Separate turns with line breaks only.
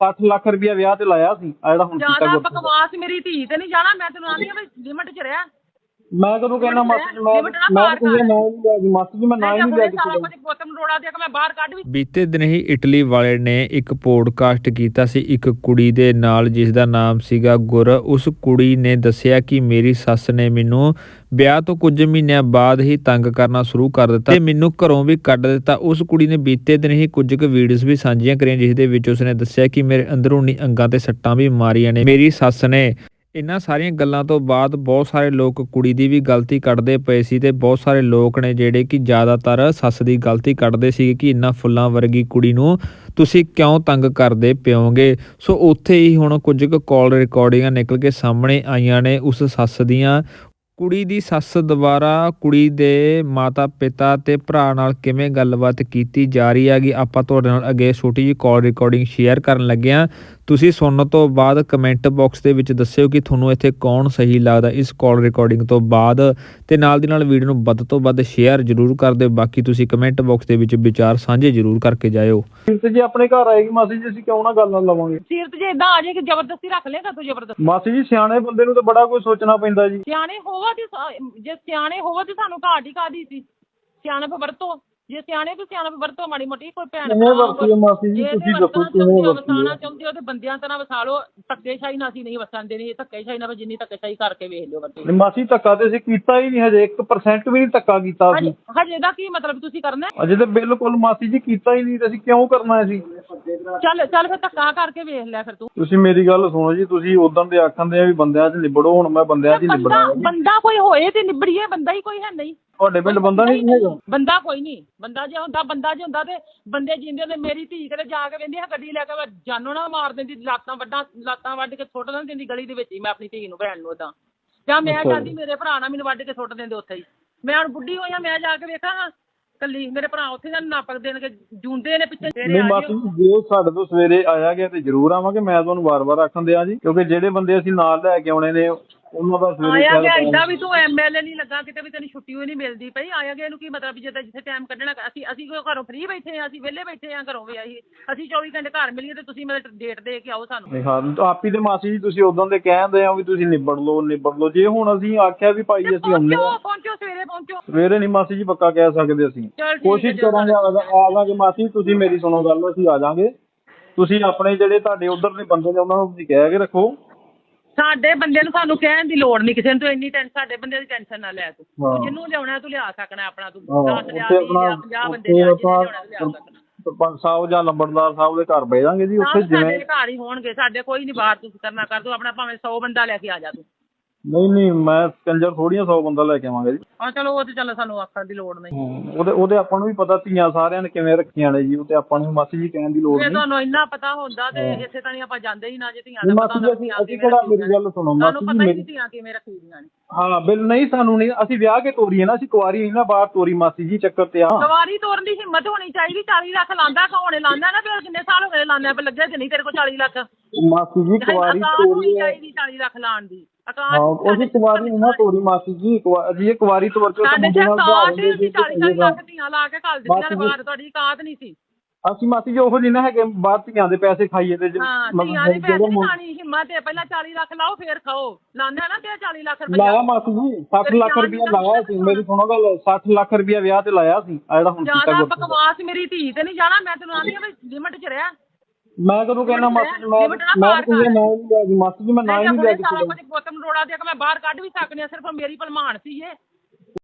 60 ਲੱਖ ਰੁਪਇਆ ਵਿਆਹ ਤੇ ਲਾਇਆ ਸੀ ਆ ਜਿਹੜਾ ਹੁਣ ਕੀਤਾ
ਜ਼ਿਆਦਾ ਬਕਵਾਸ ਮੇਰੀ ਧੀ ਤੇ ਨਹੀਂ ਜਾਣਾ। ਮੈਂ ਤੈਨੂੰ ਆਂਦੀ ਆ ਲਿਮਟ 'ਚ ਰਿਹਾ।
ਮੈਂ ਕਦੋਂ ਕਹਿਣਾ ਮਾਸੀ ਜੀ ਮਾਸੀ ਜੀ ਮੈਂ ਨਾ ਹੀ ਨਹੀਂ ਲਿਆ
ਸਾਰਾ ਕੁਝ ਬੋਤਮ ਰੋੜਾ ਦੇ ਕੇ ਮੈਂ ਬਾਹਰ ਕੱਢ ਵੀ।
ਬੀਤੇ ਦਿਨ ਹੀ ਇਟਲੀ ਵਾਲੇ ਨੇ ਇੱਕ ਪੋਡਕਾਸਟ ਕੀਤਾ ਸੀ ਇੱਕ ਕੁੜੀ ਦੇ ਨਾਲ ਜਿਸ ਦਾ ਨਾਮ ਸੀਗਾ ਗੁਰ। ਉਸ ਕੁੜੀ ਨੇ ਦੱਸਿਆ ਕਿ ਮੇਰੀ ਸੱਸ ਨੇ ਮੈਨੂੰ ਵਿਆਹ ਤੋਂ ਕੁਝ ਮਹੀਨਿਆਂ ਬਾਅਦ ਹੀ ਤੰਗ ਕਰਨਾ ਸ਼ੁਰੂ ਕਰ ਦਿੱਤਾ ਤੇ ਮੈਨੂੰ ਘਰੋਂ ਵੀ ਕੱਢ ਦਿੱਤਾ। ਉਸ ਕੁੜੀ ਨੇ ਬੀਤੇ ਦਿਨ ਹੀ ਕੁਝ ਕੁ ਵੀਡੀਓਜ਼ ਵੀ ਸਾਂਝੀਆਂ ਕਰੀਆਂ ਜਿਸ ਦੇ ਵਿੱਚ ਉਸਨੇ ਦੱਸਿਆ ਕਿ ਮੇਰੇ ਅੰਦਰੂਨੀ ਅੰਗਾਂ ਤੇ ਸੱਟਾਂ ਵੀ ਮਾਰੀਆਂ ਨੇ ਮੇਰੀ ਸੱਸ ਨੇ। ਇਹਨਾਂ ਸਾਰੀਆਂ ਗੱਲਾਂ ਤੋਂ ਬਾਅਦ ਬਹੁਤ ਸਾਰੇ ਲੋਕ ਕੁੜੀ ਦੀ ਵੀ ਗਲਤੀ ਕੱਢਦੇ ਪਏ ਸੀ ਤੇ ਬਹੁਤ ਸਾਰੇ ਲੋਕ ਨੇ ਜਿਹੜੇ ਕਿ ਜ਼ਿਆਦਾਤਰ ਸੱਸ ਦੀ ਗਲਤੀ ਕੱਢਦੇ ਸੀ ਕਿ ਇੰਨਾ ਫੁੱਲਾਂ ਵਰਗੀ ਕੁੜੀ ਨੂੰ ਤੁਸੀਂ ਕਿਉਂ ਤੰਗ ਕਰਦੇ ਪਿਓਗੇ। ਸੋ ਉੱਥੇ ਹੀ ਹੁਣ ਕੁਝ ਕੁ ਕਾਲ ਰਿਕਾਰਡਿੰਗਾਂ ਨਿਕਲ ਕੇ ਸਾਹਮਣੇ ਆਈਆਂ ਨੇ ਉਸ ਸੱਸ ਦੀਆਂ। ਕੁੜੀ ਦੀ ਸੱਸ ਦੁਬਾਰਾ ਕੁੜੀ ਦੇ ਮਾਤਾ ਪਿਤਾ ਤੇ ਭਰਾ ਨਾਲ ਕਿਵੇਂ ਗੱਲਬਾਤ ਕੀਤੀ ਜਾ ਰਹੀ ਹੈਗੀ ਆਪਾਂ ਤੁਹਾਡੇ ਨਾਲ ਅੱਗੇ ਛੋਟੀ ਜਿਹੀ ਕਾਲ ਰਿਕਾਰਡਿੰਗ ਸ਼ੇਅਰ ਕਰਨ ਲੱਗੇ ਹਾਂ। ਤੁਸੀਂ ਸੁਣਨ ਤੋਂ ਬਾਅਦ ਕਮੈਂਟ ਬਾਕਸ ਦੇ ਵਿੱਚ ਦੱਸਿਓ ਕਿ ਤੁਹਾਨੂੰ ਇੱਥੇ ਕੌਣ ਸਹੀ ਲੱਗਦਾ ਇਸ ਕਾਲ ਰਿਕਾਰਡਿੰਗ ਤੋਂ ਬਾਅਦ ਤੇ ਨਾਲ ਦੀ ਨਾਲ ਵੀਡੀਓ ਨੂੰ ਵੱਧ ਤੋਂ ਵੱਧ ਸ਼ੇਅਰ ਜ਼ਰੂਰ ਕਰ ਦਿਓ। ਬਾਕੀ ਤੁਸੀਂ ਕਮੈਂਟ ਬਾਕਸ ਦੇ ਵਿੱਚ ਵਿਚਾਰ ਸਾਂਝੇ ਜ਼ਰੂਰ ਕਰਕੇ ਜਾਇਓ।
ਸੀਰਤ ਜੀ ਆਪਣੇ ਘਰ ਆਏਗੀ ਮਾਸੀ ਜੀ ਅਸੀਂ ਕਿਉਂ ਨਾ ਗੱਲ ਨਾਲ ਲਵਾਂਗੇ।
ਸੀਰਤ ਜੀ ਇਦਾਂ ਆ ਜਾਏ ਕਿ ਜ਼ਬਰਦਸਤੀ ਰੱਖ ਲੇਗਾ ਤੂੰ ਜ਼ਬਰਦਸਤੀ।
ਮਾਸੀ ਜੀ ਸਿਆਣੇ ਬੰਦੇ ਨੂੰ ਤਾਂ ਬੜਾ ਕੁਝ ਸੋਚਣਾ ਪੈਂਦਾ ਜੀ।
ਸਿਆਣੇ ਹੋਵੋ ਤੇ ਜੇ ਸਿਆਣੇ ਹੋਵੋ ਤੇ ਸਾਨੂੰ ਘਾਟ ਹੀ ਕਾਹਦੀ ਸੀ। ਸਿਆਣਪ ਵਰਤੋ ਜੇ ਸਿਆਣੇ ਤੇ ਸਿਆਣਪ ਵਰਤੋ ਮਾੜੀ ਮੋਟੀ ਕੋਈ ਭੈਣ
ਮਾਸੀ ਜੀ ਤੁਸੀਂ ਦੱਸੋ
ਵਸਾਣਾ ਚਾਹੁੰਦੇ ਹੋ ਤੇ ਬੰਦਿਆਂ ਤਰ੍ਹਾਂ ਵਸਾ ਲਓ। ਧੱਕੇਸ਼ਾਹੀ ਨਾਲ ਅਸੀਂ ਨਹੀਂ ਵਸਣ ਦੇਣੀ। ਧੱਕੇਸ਼ਾਹੀ ਨਾਲ ਜਿੰਨੀ ਧੱਕੇਸ਼ਾਹੀ ਕਰਕੇ ਵੇਖ ਲਿਓ ਬੱਚੇ।
ਮਾਸੀ ਧੱਕਾ ਤੇ ਅਸੀਂ ਕੀਤਾ ਹੀ ਨਹੀਂ ਹਜੇ 1% ਵੀ ਨਹੀਂ ਧੱਕਾ ਕੀਤਾ ਅਸੀਂ।
ਹਜੇ ਦਾ ਕੀ ਮਤਲਬ ਤੁਸੀਂ ਕਰਨਾ?
ਅਜੇ ਤਾਂ ਬਿਲਕੁਲ ਮਾਸੀ ਜੀ ਕੀਤਾ ਹੀ ਨਹੀਂ ਤੇ ਅਸੀਂ ਕਿਉਂ ਕਰਨਾ ਸੀ।
ਚੱਲ ਫਿਰ ਧੱਕਾ ਕਰਕੇ ਵੇਖ ਲਿਆ ਫਿਰ ਤੂੰ।
ਤੁਸੀਂ ਮੇਰੀ ਗੱਲ ਸੁਣੋ ਜੀ ਤੁਸੀਂ ਉਦੋਂ ਦੇ ਆਖਣ ਦੇ ਆ ਵੀ ਬੰਦਿਆਂ 'ਚ ਨਿਬੜੋ ਹੁਣ ਮੈਂ ਬੰਦਿਆਂ 'ਚ ਨਿਬੜਾਂ।
ਬੰਦਾ ਕੋਈ ਹੋਏ ਤੇ ਨਿਬੜੀਏ। ਬੰਦਾ ਹੀ ਕੋਈ ਹੈ ਨਹੀਂ
ਤੁਹਾਡੇ ਪਿੰਡ ਬੰਦਾ ਨਹੀਂ ਹੈਗਾ।
ਬੰਦਾ ਕੋਈ ਨਹੀਂ। ਬੰਦਾ ਜੇ ਹੁੰਦਾ ਤੇ ਬੰਦੇ ਜਿੰਦੇ ਨੇ ਮੇਰੀ ਧੀ ਕਿਤੇ ਜਾ ਕੇ ਕਹਿੰਦੀ ਗੱਡੀ ਲੈ ਕੇ ਮੈਂ ਜਾਨੋਂ ਨਾ ਮਾਰ ਦਿੰਦੀ। ਲੱਤਾਂ ਵੱਢ ਕੇ ਸੁੱਟ ਦਿੰਦੀ ਗਲੀ ਦੇ ਵਿੱਚ ਹੀ ਮੈਂ ਆਪਣੀ ਧੀ ਨੂੰ ਭੈਣ ਨੂੰ ਉਦਾਂ। ਜਾਂ ਮੈਂ ਕਹਿੰਦੀ ਮੇਰੇ ਭਰਾ ਨਾਲ ਮੈਨੂੰ ਵੱਢ ਕੇ ਸੁੱਟ ਦਿੰਦੇ ਉੱਥੇ ਹੀ। ਮੈਂ ਹੁਣ ਬੁੱਢੀ ਹੋਈ ਆ ਮੈਂ ਜਾ ਕੇ ਵੇਖਾਂ ਕੱਲੀ ਮੇਰੇ ਭਰਾ ਉੱਥੇ ਦਾ ਨਾਪਕ ਦੇਣਗੇ ਜੂੰਦੇ ਨੇ ਪਿੱਛੇ।
ਨਹੀਂ ਮਾਸੀ ਜੀ ਜੇ ਸਾਡੇ ਤੋਂ ਸਵੇਰੇ ਆਇਆ ਗਿਆ ਤੇ ਜ਼ਰੂਰ ਆਵਾਂਗੇ। ਮੈਂ ਤੁਹਾਨੂੰ ਵਾਰ-ਵਾਰ ਆਖਣ ਦਿਆਂ ਜੀ ਕਿਉਂਕਿ ਜਿਹੜੇ ਬੰਦੇ ਅਸੀਂ ਨਾਲ ਲੈ ਕੇ ਆਉਣੇ ਨੇ ਉਹਨਾਂ ਦਾ ਸਵੇਰੇ
ਆਇਆ ਗਿਆ ਏਦਾਂ ਵੀ ਤੂੰ MLA ਨਹੀਂ ਲੱਗਾ ਕਿਤੇ ਵੀ ਤੈਨੂੰ ਛੁੱਟੀ ਹੋਈ ਨਹੀਂ ਮਿਲਦੀ ਪਈ। ਆਇਆ ਗਿਆ ਇਹਨੂੰ ਕੀ ਮਤਲਬ ਜਿੱਦਾਂ ਜਿੱਥੇ ਟਾਈਮ ਕੱਢਣਾ ਅਸੀਂ ਘਰੋਂ ਫ੍ਰੀ ਬੈਠੇ ਹਾਂ। ਅਸੀਂ ਵਿਹਲੇ ਬੈਠੇ ਹਾਂ ਘਰੋਂ ਵੀ ਅਸੀਂ 24 ਘੰਟੇ ਘਰ ਮਿਲੀਏ ਤੇ ਤੁਸੀਂ ਮਤਲਬ ਡੇਟ ਦੇ ਕੇ ਆਓ ਸਾਨੂੰ।
ਹਾਂ ਆਪੀ ਤੇ ਮਾਸੀ ਜੀ ਤੁਸੀਂ ਉਦੋਂ ਦੇ ਕਹਿੰਦੇ ਆ ਵੀ ਤੁਸੀਂ ਨਿਬੜ ਲਓ ਜੇ ਹੁਣ ਅਸੀਂ ਆਖਿਆ ਵੀ ਭਾਈ ਅਸੀਂ ਆਉਂਦੇ ਹਾਂ
ਪਹੁੰਚੋ ਸਵੇਰੇ ਪਹੁੰਚੋ।
ਸਵੇਰੇ ਨਹੀਂ ਮਾਸੀ ਜੀ ਪੱਕਾ ਕਹਿ ਸਕਦੇ ਅਸੀਂ ਕੋਸ਼ਿਸ਼ ਕਰਾਂਗੇ ਆ ਜਾਵਾਂਗੇ। ਮਾਸੀ ਤੁਸੀਂ ਮੇਰੀ ਸੁਣੋ ਗੱਲ ਅਸੀਂ ਆ ਜਾਵਾਂਗੇ। ਤੁਸੀਂ ਆਪਣੇ ਜਿਹੜੇ ਤੁਹਾਡੇ ਉੱਧਰ ਦੇ ਬੰਦੇ ਨੇ ਉਹਨਾਂ ਨੂੰ ਤੁਸੀਂ ਕਹਿ ਕੇ ਰੱਖੋ।
ਸਾਡੇ ਬੰਦੇ ਨੂੰ ਸਾਨੂੰ ਕਹਿਣ ਦੀ ਲੋੜ ਨਹੀਂ ਕਿਸੇ ਨੂੰ। ਤੂੰ ਇੰਨੀ ਸਾਡੇ ਬੰਦੇ ਦੀ ਟੈਨਸ਼ਨ ਨਾ ਲੈ। ਤੂੰ ਜਿਹਨੂੰ ਲਿਆਉਣਾ ਤੂੰ ਲਿਆ ਸਕਣਾ ਆਪਣਾ। ਤੂੰ 10 ਲਿਆ 50 ਬੰਦੇ ਲਿਆ
ਸਰਪੰਚ ਸਾਹਿਬ ਜਾਂ ਲੰਬੜਦਾਰ ਸਾਹਿਬ ਦੇ ਘਰ ਬਹਿ ਜਾਵਾਂਗੇ ਜੀ ਉੱਥੇ ਜਿਵੇਂ
ਘਰ ਹੀ ਹੋਣਗੇ ਸਾਡੇ। ਕੋਈ ਨਹੀਂ ਬਾਹਰ ਤੁਸੀਂ ਕਰਨਾ ਕਰ ਤੂੰ ਆਪਣਾ ਭਾਵੇਂ 100 ਬੰਦਾ ਲੈ ਕੇ ਆ ਜਾ ਤੂੰ।
ਨਹੀਂ ਮੈਂ ਕੰਜਰ ਥੋੜੀਆਂ 100 ਬੰਦਾ ਲੈ ਕੇ ਆਵਾਂਗੇ ਜੀ।
ਹਾਂ ਚਲੋ ਉਹ ਤੇ ਚੱਲ ਸਾਨੂੰ ਆਖਣ ਦੀ ਲੋੜ ਨਹੀਂ।
ਉਹਦੇ ਆਪਾਂ ਨੂੰ ਵੀ ਪਤਾ ਧੀਆਂ ਸਾਰਿਆਂ ਨੇ ਕਿਵੇਂ ਰੱਖੀਆਂ ਨੇ ਜੀ। ਉਹ ਤੇ ਆਪਾਂ ਨੂੰ ਮਾਸੀ ਜੀ ਕਹਿਣ ਦੀ ਲੋੜ ਨਹੀਂ।
ਤੁਹਾਨੂੰ ਇੰਨਾ ਪਤਾ ਹੁੰਦਾ ਤੇ ਇੱਥੇ ਤਾਂ ਨਹੀਂ ਆਪਾਂ ਜਾਂਦੇ ਹੀ ਨਾ। ਜੇ ਧੀਆਂ ਦਾ ਪਤਾ
ਹੁੰਦਾ ਅਸੀਂ ਕਿਹੜਾ ਮੇਰੀ ਗੱਲ ਸੁਣੋ ਮਾਸੀ ਜੀ ਮੇਰੀ
ਧੀਆਂ ਕਿਵੇਂ ਰੱਖੀ ਦੀਆਂ ਨੇ।
ਹਾਂ ਬਿਲ ਨਹੀਂ ਸਾਨੂੰ ਨਹੀਂ ਅਸੀਂ ਵਿਆਹ ਕੇ ਤੋਰੀਏ ਨਾ। ਅਸੀਂ ਕੁਆਰੀ ਨਹੀਂ ਨਾ ਬਾਹਰ ਤੋਰੀ ਮਾਸੀ ਜੀ ਚੱਕਰ ਤੇ ਆ।
ਕੁਆਰੀ ਤੋਰਨ ਦੀ ਹਿੰਮਤ ਹੋਣੀ ਚਾਹੀਦੀ। 40 ਲੱਖ ਲਾਂਦਾ ਕੌਣ ਲਾਂਦਾ ਨਾ। ਫਿਰ ਕਿੰਨੇ ਸਾਲ ਹੋ ਗਏ ਲਾਂਦੇ ਪਏ ਲੱਗੇ ਨਹੀਂ ਤੇਰੇ ਕੋਲ 40 ਲੱਖ।
ਮਾਸੀ ਜੀ ਕੁਆਰੀ ਤੋਰੀ
ਚਾਹੀਦੀ 40 ਲੱਖ ਲਾਉਣ ਦੀ।
ਉਹਦੀ ਕੁਆਰੀ ਨਹੀਂ ਨਾ ਤੋਰੀ ਮਾਸੀ ਜੀ। ਜੀ ਕੁਆਰੀ ਤੋਰ ਕੇ
40 ਲੱਖ ਧੀਆਂ ਲਾ ਕੇ ਘੱਲ ਦਿੱਤੀਆਂ ਨੇ ਬਾਹਰ। ਤੁਹਾਡੀ ਔਕਾਤ ਨਹੀਂ ਸੀ।
ਅਸੀਂ ਮਾਸੀ ਜੀ ਉਹੋ ਜਿਹੇ ਨਾ ਹੈਗੇ ਬਾਹਰ ਧੀਆਂ ਦੇ ਪੈਸੇ ਖਾਈਏ ਤੇ
ਧੀਆਂ ਦੇ ਪੈਸੇ ਨਹੀਂ ਖਾਣੀ ਹਿੰਮਤ ਹੈ। ਪਹਿਲਾਂ 40 ਲੱਖ ਲਾਓ ਫਿਰ ਖਾਓ। ਲਾਉਂਦੇ ਨਾ ਤੇ 40 ਲੱਖ ਰੁਪਇਆ
ਲਾਇਆ ਮਾਸੀ ਜੀ 60 ਲੱਖ ਰੁਪਇਆ ਲਾਇਆ ਸੀ। ਮੇਰੀ ਸੁਣੋ ਗੱਲ 60 ਲੱਖ ਰੁਪਇਆ ਵਿਆਹ ਤੇ ਲਾਇਆ ਸੀ ਆ ਜਿਹੜਾ ਹੁਣ
ਜ਼ਿਆਦਾ ਬਕਵਾਸ ਮੇਰੀ ਧੀ ਤੇ ਨਹੀਂ ਜਾਣਾ। ਮੈਂ ਤੈਨੂੰ ਆਂਦੀ ਆ ਵੀ ਲਿਮਟ 'ਚ ਰਿਹਾ।
ਮੈਂ ਕਦੋਂ ਕਹਿਣਾ ਮਾਸੀ ਜੀ ਮਾਸੀ ਜੀ ਮੈਂ ਨਾ ਹੀ ਨਹੀਂ ਲਿਆ
ਸਾਰਾ ਕੁਝ ਬੋਤਮ ਰੋੜਾ ਦੇ ਕੇ ਮੈਂ ਬਾਹਰ ਕੱਢ ਵੀ ਸਕਦੀ ਹਾਂ। ਸਿਰਫ ਮੇਰੀ ਭਲਮਾਨ ਸੀ ਇਹ।